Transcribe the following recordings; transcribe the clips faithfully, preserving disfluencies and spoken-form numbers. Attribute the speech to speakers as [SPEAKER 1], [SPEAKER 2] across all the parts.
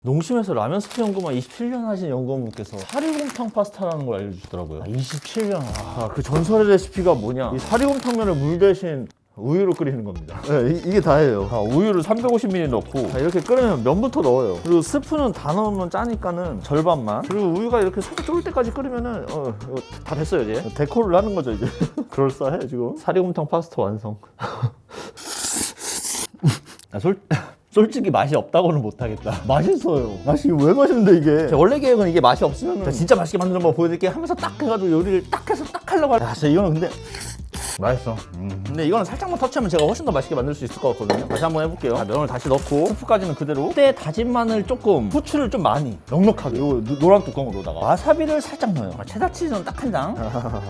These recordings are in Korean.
[SPEAKER 1] 농심에서 라면 스프 연구만 이십칠 년 하신 연구원분께서 사리곰탕 파스타라는 걸 알려주시더라고요. 아, 이십칠 년. 아, 그 전설의 레시피가 뭐냐? 이 사리곰탕면을 물 대신 우유로 끓이는 겁니다. 네, 이, 이게 다예요. 아, 우유를 삼백오십 밀리리터 넣고 아, 이렇게 끓이면 면부터 넣어요. 그리고 스프는 다 넣으면 짜니까는 절반만. 그리고 우유가 이렇게 살짝 쫄 때까지 끓이면은 어, 이거 다 됐어요 이제. 데코를 하는 거죠 이제. 그럴싸해 지금. 사리곰탕 파스타 완성. 아, 솔... 솔직히 맛이 없다고는 못하겠다. 맛있어요. 맛이 왜 맛있는데 이게? 제 원래 계획은 이게 맛이 없으면 진짜 맛있게 만드는 법 보여드릴게요 하면서 딱 해가지고 요리를 딱 해서 딱 하려고 하... 야, 진짜 이거는 근데 맛있어. 음. 근데 이거는 살짝만 터치하면 제가 훨씬 더 맛있게 만들 수 있을 것 같거든요. 다시 한번 해볼게요. 자, 면을 다시 넣고 스프까지는 그대로. 그때 다진 마늘 조금, 후추를 좀 많이 넉넉하게 요 노란 뚜껑으로다가 와사비를 살짝 넣어요. 아, 체다 치즈는 딱 한 장.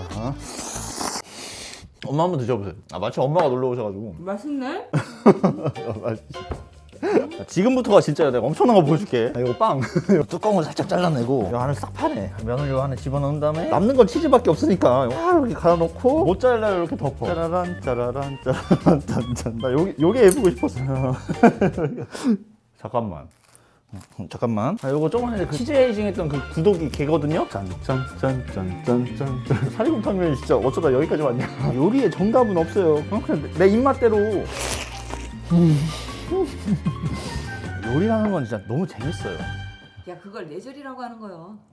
[SPEAKER 1] 엄마 한번 드셔보세요. 아, 마침 엄마가 놀러 오셔가지고.
[SPEAKER 2] 맛있네?
[SPEAKER 1] 맛있어. 자, 지금부터가 진짜 내가 엄청난 거 보여줄게. 아, 이거 빵. 뚜껑을 살짝 잘라내고 이 안을 싹 파내. 면을 요 안에 집어넣은 다음에 남는 건 치즈밖에 없으니까 와, 이렇게 갈아놓고 모짜렐라를 이렇게 덮어. 짜라란 짜라란 짜라란 짠짠. 나 여기 요게 예쁘고 싶었어요. 잠깐만. 잠깐만. 아, 요거 조금만에 그 치즈 에이징 했던 그 구독이 걔거든요? 짠짠짠짠짠짠. 사리곰탕면이 진짜 어쩌다 여기까지 왔냐. 요리에 정답은 없어요. 그냥 내 입맛대로. 음. 요리하는 건 진짜 너무 재밌어요.
[SPEAKER 2] 야, 그걸 내절이라고 하는 거요.